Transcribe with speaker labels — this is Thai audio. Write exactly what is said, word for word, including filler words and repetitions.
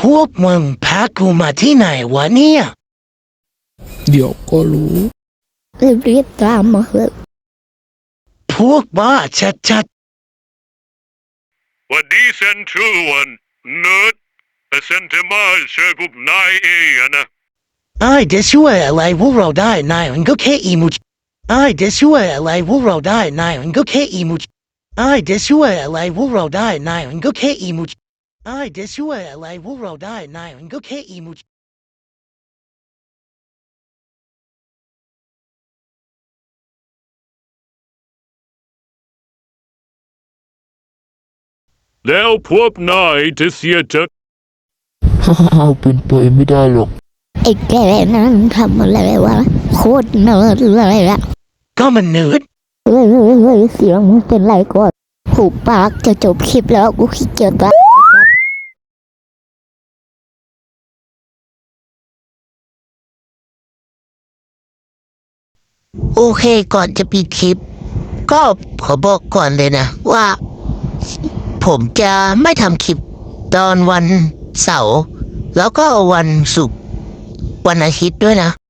Speaker 1: พวกมึงพากูมาที่ไหนวะเนี่ย
Speaker 2: เดี๋ยวก็รู้
Speaker 3: รีบๆตามมาเถอะ
Speaker 1: พวกบ้าชัด
Speaker 4: หวัดดีเซนทรูวันเนิร์ดแต่เซนเทมาช่วยพวกนายเองอะนะ
Speaker 1: ๆไอ้จะช่วยอะไรพวกเราได้นายมันก็แค่อีมูจไอ้จะช่วยอะไรพวกเราได้นายมันก็แค่อีมูจไอ้จะช่วยอะไรพวกเราได้นายมันก็แค่อีมูจไอ้จะช่วยอะไรพวกเราได้นายมันก็แค่อีมูจ
Speaker 4: แล้วพวกนายจะเสียใจ
Speaker 2: ฮ่าฮ่าเป็นไปไม่ได้หรอก
Speaker 3: ไอ้แกนั้นทำอะไรวะโคตรเนิร์ดเลยละ
Speaker 1: ก็มันเนิร์ด
Speaker 3: เฮ้ยเฮ้ยเฮ้ยเสียงมึงเป็นไรก่อนหูปากจะจบคลิปแล้วกูขี้เกียจละ
Speaker 1: โอเคก่อนจะปิดคลิป ก็ขอบอกก่อนเลยนะว่า ผมจะไม่ทำคลิปตอนวันเสาร์แล้วก็วันศุกร์วันอาทิตย์ด้วยนะ